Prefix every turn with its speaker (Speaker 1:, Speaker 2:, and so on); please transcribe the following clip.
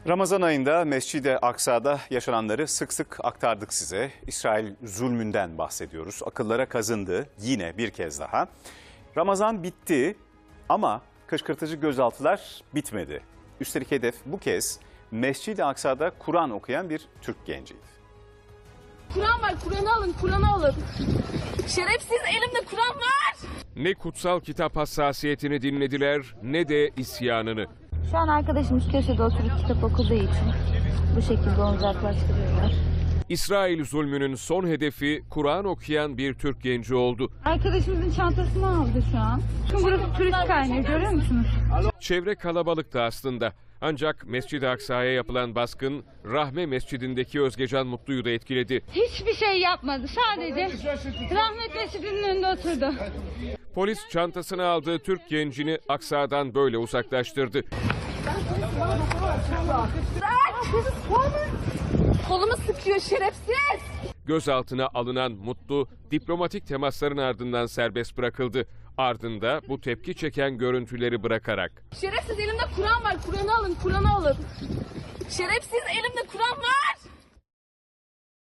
Speaker 1: Ramazan ayında Mescid-i Aksa'da yaşananları sık sık aktardık size. İsrail zulmünden bahsediyoruz. Akıllara kazındı yine bir kez daha. Ramazan bitti ama kışkırtıcı gözaltılar bitmedi. Üstelik hedef bu kez Mescid-i Aksa'da Kur'an okuyan bir Türk genciydi.
Speaker 2: Kur'an var, Kur'an'ı alın, Kur'an'ı alın. Şerefsiz, elimde Kur'an var.
Speaker 3: Ne kutsal kitap hassasiyetini dinlediler ne de isyanını.
Speaker 4: Şu an arkadaşımız köşede oturup kitap okuduğu için bu şekilde onu uzaklaştırıyorlar.
Speaker 3: İsrail zulmünün son hedefi Kur'an okuyan bir Türk genci oldu.
Speaker 4: Arkadaşımızın çantasını aldı şu an. Çünkü burası turist kaynağı, görüyor musunuz?
Speaker 3: Çevre kalabalıktı aslında. Ancak Mescid-i Aksa'ya yapılan baskın Rahme Mescidindeki Özgecan Mutlu'yu da etkiledi.
Speaker 4: Hiçbir şey yapmadı. Sadece Rahmet Mescidi'nin önünde oturdu.
Speaker 3: Polis çantasını aldığı Türk gencini Aksa'dan böyle uzaklaştırdı.
Speaker 2: Kolumu sıkıyor şerefsiz.
Speaker 3: Gözaltına alınan Mutlu diplomatik temasların ardından serbest bırakıldı. Ardında bu tepki çeken görüntüleri bırakarak.
Speaker 2: Şerefsiz, elimde Kur'an var, Kur'an'ı alın, Kur'an'ı alın. Şerefsiz, elimde Kur'an var.